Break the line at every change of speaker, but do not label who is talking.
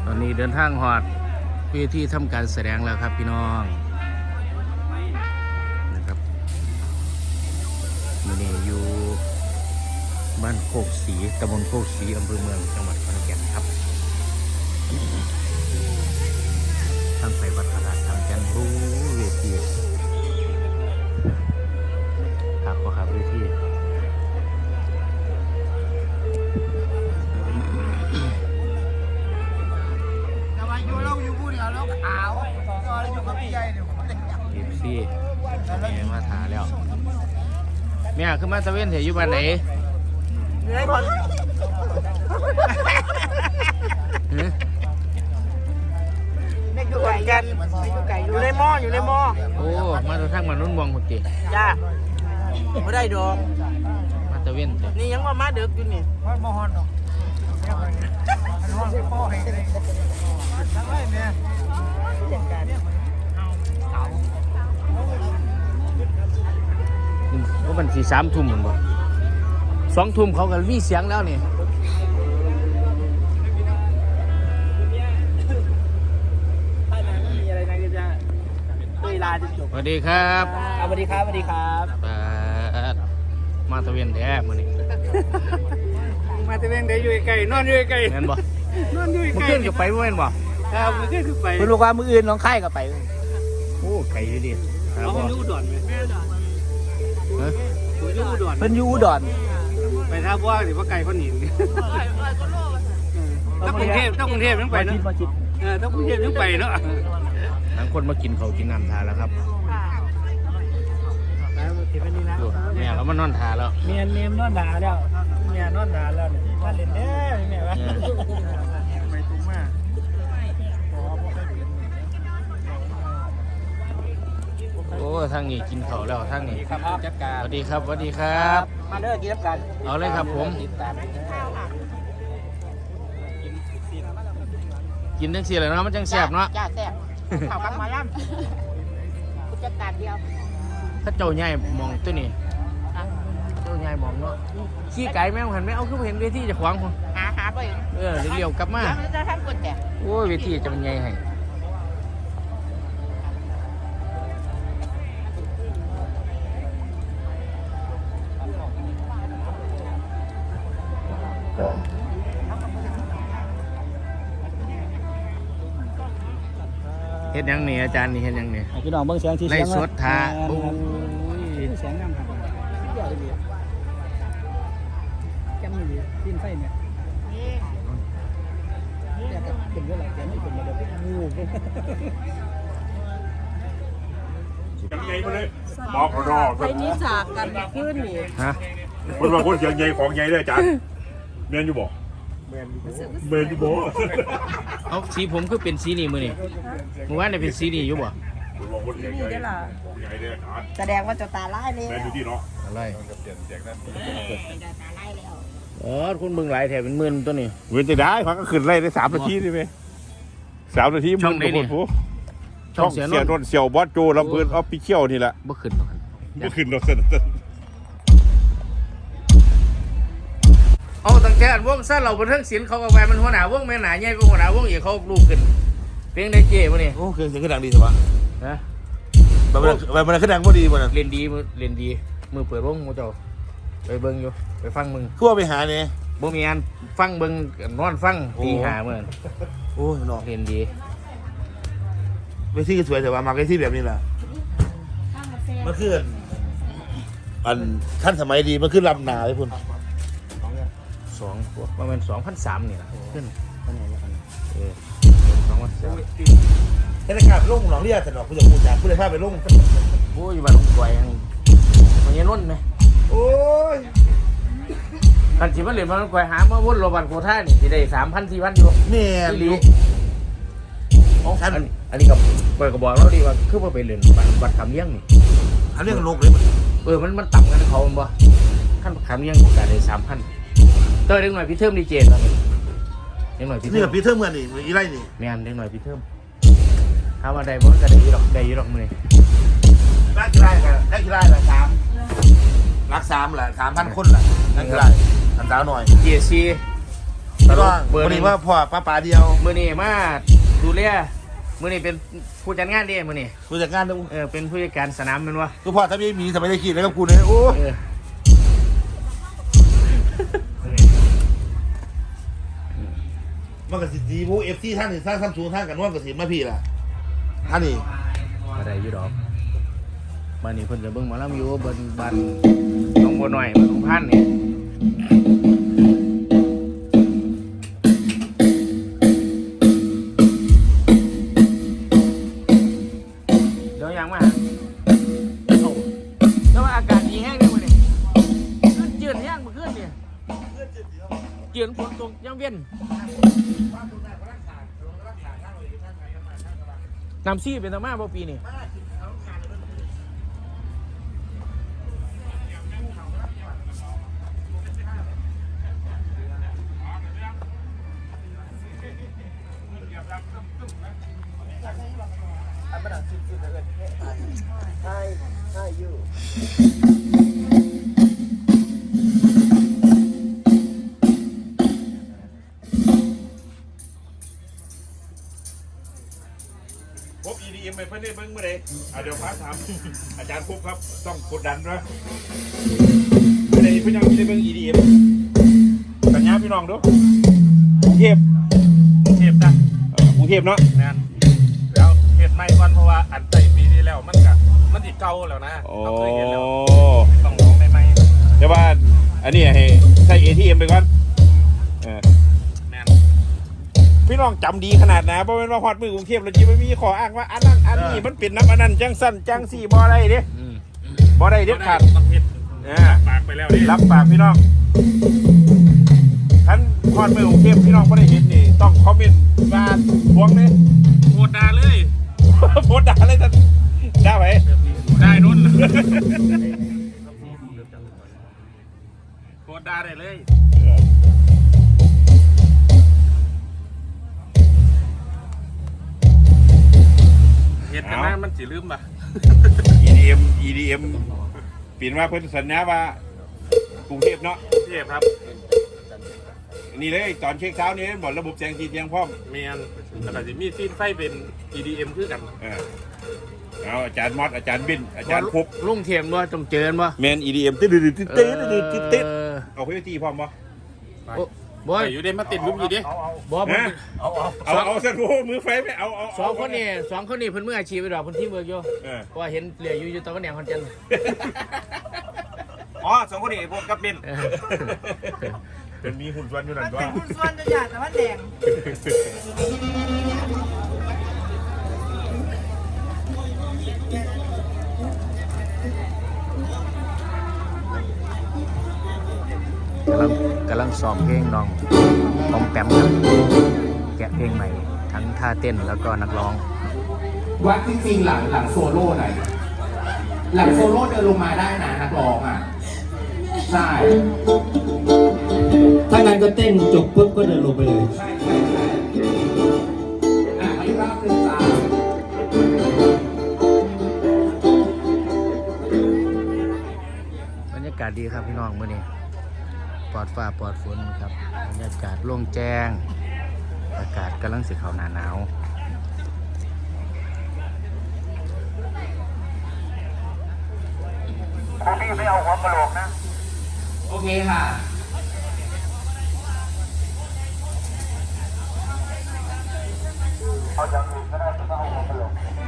ตอนนี้เดินทางหอดเพื่อที่ทำการแสดงแล้วครับพี่น้องนะครับมันนี่อยู่บ้านโคกศรีตำบลโคกศรีอำเภอเมืองจังหวัดขอนแก่นครับทางไปวัดพระธาตุทางจันทร์เวทีครับก็ครับเวทีทีมซี่แม่มาถาแล้วแม่ขึ้นมาตะเวนเถอยู่บ้านไหน
เหนื่อยคนเด็กอยู่ไก่กันอยู่ในหม้อ
โอ้มาตัวทางมานุ่นวงหุ่นจี
จ้าไม่ได้ดอก
มาตะเวนเถ
นี่ยังว่ามาเด็กอยู่นี่มาฮอนดอกฮอนพ่อให้เลยทั้งไรเนี่ย
ก็มัน3 ทุ่มเหมือนบ่2 ทุ่มเขาก็มีเสียงแล้วนี่สวัสดีครับ
สวัสดีครับ
มาตะเวนแท้มื้อนี้
มาตะเวนได้อยู่ไกลนอนอยู่ไกล
แม่นบ่
นอนอยู่ไกล
มื้อคืนก็ไปบ่แม่นบ่
ครับมื้อคืนคือไป
เพิ่นบอกว่ามื้ออื่นน้องไข่ก็ไปโอ้ไกลอยู่ดิ
ครับบ่อยู่อุดรมั้ยฮะอยู่อุดร
เพิ่นอยู่อุดร
ไปท่าบ่สิว่าไกลคนหนีต้องกรุงเทพยังไปเนาะต้องกรุงเทพยังไปเนาะ
ทั้งคนมากินข้าวกินน้ำทานแล้วครับแม่เรามานอนทาแล้ว
เมียนอนด่าแล้วเมียนอนด่าแล้วถ้าเล่นเด้อแม่วะไปตุ้มมา
โอ้ทางนี้กินข้าวแล้วทางนี้
ครับจัดการ
สวัสดีครับ
มาเด้อกินกัน
เอาเลยครับผมกินจังซี่แหละเนาะมันจังแซ่บเนาะ
จ้าแซ่บข้าวกับหมาล่ำผู้จัดการเดียว
ถ้าเจ้าใหญ่มองตัวนี้เจ้าใหญ่มองเนาะขี้ไก่แม่งหันไม่เอาคือเห็นเวทีจะขวางคน
หาไป
เลี้ยวกลับมา
จะทำกดแต่
โอ้เวทีจะเป็นไงให้เฮ็ดยังนี่อาจารย์นี่เฮ็ดยังนี่
พี่น้องเบิ่งเสียงที่
ไล่สดทาโอ้
ยเสียงงามครับเดี๋ยวดีแก้มนี่ตีนไฟเนี่ยนี่แต่เป็นเรื่องอะไรแกไม่เป็นมาเดี๋ยวงู
ยังไงมาเลยบอกเขาดอก
ไปนี้จากกันขึ้นนี่
ฮะ
คนบางคนเสียงใหญ่ของใหญ่เลยอาจารย์เมียนอยู่บ่เมียนอยู่บ่
เอาสีผมคือเป็นสีนี่มือนี่เมื่อวานเนี่ยเป็นสีนี่อยู่บ่
นี่ได้ล่ะแสดงว่าจะตาไล่เลย
เมียนอยู่ที่เนาะ
อะไรคุณเบิ่งหลายแถวเป็นหมื่นตัวนี้
เว้นจะได้พักก็ขึ้นไล่ได้3 นาทีได้ไหม3 นาที
ช่องไหนเนี่ย
ช่องเสียนนเสี่ยวบอสโจลำเพินออฟฟิเชียลนี่แหละ
บ่ขึ้นหรอก
บ่ขึ้นหรอกเส้น
เอาตั้งแต่วงซ่าเราเป็นเรื่องศิลป์เขาก็ไปมันหัวหน้าวงแม่หนาใหญ่ก็หัวหน้าวงอีกเขาลูกขึ้นเพลงได้เจ๊ป่ะนี่
โอ้เครื่องเสียงขึ้นดังดีสิวะ
ฮะ
มันขึ้นดังพอดีป่ะน่ะ
เล่นดีมือเปิดวงมือเจ้าไปเบิ่งอยู่ไปฟังมึง
ทั่วไปหาเนี่ย
บ่มีอันฟังเบิ่งนอนฟังตีหาเหมือน
โอ้ยน้อง
เล่นดี
เวทีสวยแต่ว่ามาเวทีแบบนี้แหละมันคืออันท่านสมัยดีมันคือลำนาเลยคุณ
2ประมาณ 2,300 นี่แหละขึ้น
2,300เทศกาลลงหนองเรียกแต่หนองคุณจะพูดจากคุณเลยพาไปลง
โอ้ยบ้านลงกวยมันยังล้นไหม
โอ้ย
กันสิมันเหรียญมันกวยหามาวนโรบันโคท่านี่สิได้ 3,000 4,000 อยู่
นี่
ลีอันนี้กับกวยก็บอกเราดีว่าคือว่าไปเรียนบัตรคำเลี้ยงนี่
อันเรื่องโลกเลย
มันต่ำกันเขาบ่ขั้นคำเลี้ยงโอกาสได้ 3,000เติมเด็กหน่อยพี่เทิมดีเจตอนนี้เด็กหน่อยพี่เทิม
นี่กับพี่เทิมเหมือนนี่อีไรนี่
แม่นเด็กหน่อยพี่เทิมถ้าว่าใดบ่ก็ได้อยู่ดอกมื้อนี้
นักกีฬากันนักกีฬาละ3 รัก3แหละ 3,000 คนแหละนักกีฬาอันดาวหน่อย
GC ตล
ก็
กเบอร์
วัน
หนึ่
นี้
ง
ว่าพ่อป้าป๋าเดียว
มื้อนี้มาดูแลมื้อนี้เป็นผู้จัดงานเด้มื้อนี้
ผู้จัดการดู
เป็นผู้จัดการสนามแม่นวะ
คือพ่อถ้าไม่มีสมัยได้คิดแล้วกับกูเนี่ยโอ้
เออ
มันก็สิดีผู้เอฟซีท่านนี่สร้างซัมซุงท่านกันนวลกับสิมาพี่ล่ะท่านนี่
อะไรอยู่ดอกบ้านนี้เพิ่นก็เบิ่งหมอลำอยู่บ้านน้องบัวน้อยบ้านน้องพันธุ์นี่เดี๋ยวยังมาหาเอ้าแต่ว่าอากาศดีแห้งเลยมื้อนี้ขึ้นเจือนแห้งเมื่อคืนนี่เจือนฝนตกยังเวียนน้ำซี่เป็นตะมาบ่ปีนี่
พบ EDM ไปเพื่อนได้เบิ้งเมื่อไรเดี๋ยวพาถาม อาจารย์พบครับต้องกดดันนะเมื่อไรพี่น้องที่ได้เบิ้ง EDM สัญญาพี่น้องดูกรุงเทพนะกรุงเทพเนาะ
แม่นแล้วเฮ็ดใหม่ก่อนเพราะว่าอันใส่ปีที่แล้วมันสิเก่าแล้วนะ
โอ้
เราเคยเห็นแล้วต้องลองใหม่
แต่ว่าอันนี้ให้ใช้ ATM ไปก่อน
ๆแม่น
พี่น้องจำดีขนาดนะเพราะเป็นว่าฮอดมือกรุงเทพแล้วจีไม่มีขออ้างว่าอันนั้นอันนี้มันเป็นน้ำอันนั้นจังสั้นจังสี่บ่ได้เด้บ่ได้เด็ดขาด
ต้องเฮ็ด
ปากไปแล้วนี่รับปากพี่น้องท่านฮอดมือกรุงเทพพี่น้องบ่ได้เห็นนี่ต้องคอมเมนต์มาทวงนี่
โคตรด่าเลย
โพสต์ด่าเลยท่านด่าไป
ได้นุ่นโคตรด่าได้เลยเฮ็ดกันนะมันสิลืมป่ะ
EDM ปีนว่าเพิ่นสัญญาว่ากรุงเทพเนาะ
เทียบครับ
นี่เลยตอนเช็คเช้านี้บอกระบบแสงสีเทียงพร้อม
เมียนแล้วก็สิมีซีนไฟเป็น EDM คือกัน
เอาอาจารย์มอสอาจารย์บินอาจารย์พบ
ลุงเทียมบ่ต้องเจอบ่
แมน EDM ติดติดเอาเพื่อตีพร้อมบ่
บ่
ไปอยู่เด้มาติดลุมอยู่เด้
บ่
เอาเส้นโมือไฟไปเอา
สองคนนี่เพิ่นมืออาชีพไปดอกเพิ่นทีมเวิร์กอยู่เพราะว่าเห็นเหลืออยู่ตะวันแหนงคอนเจน
อ๋อสองคนนี้พวกกับบิน
เป็นมีหุ่นส่วนอยู่นั่นด้วย
คุณส่วนจะอยากแต่ว่าแดง
กำลังซ้อมเพลงน้องปอมแปมครับแกะเพลงใหม่ทั้งท่าเต้นแล้วก็นักร้อง
วัดจริงๆหลังโซโล่หน่อยหลังโซโล่เดินลงมาได้นะนักร้องอ่ะใช่
ถ้างั้นก็เต้นจบปุ๊บก็เดินลงไปเลย
ใช่มาอีกรอบหนึ่งจ้า
บรรยากาศดีครับพี่น้องมื้อนี้ปลอดฟ้าปลอดฝนครับบรรยากาศโล่งแจ้งอากาศกำลังสิเข้าหน้าหนาว
พี่ไม่เอาหัวกะโหลกนะ
โอเคค่ะ
เอาอย่างอื่นก็ได้ไม่ต้องเอาหัวกะโหลก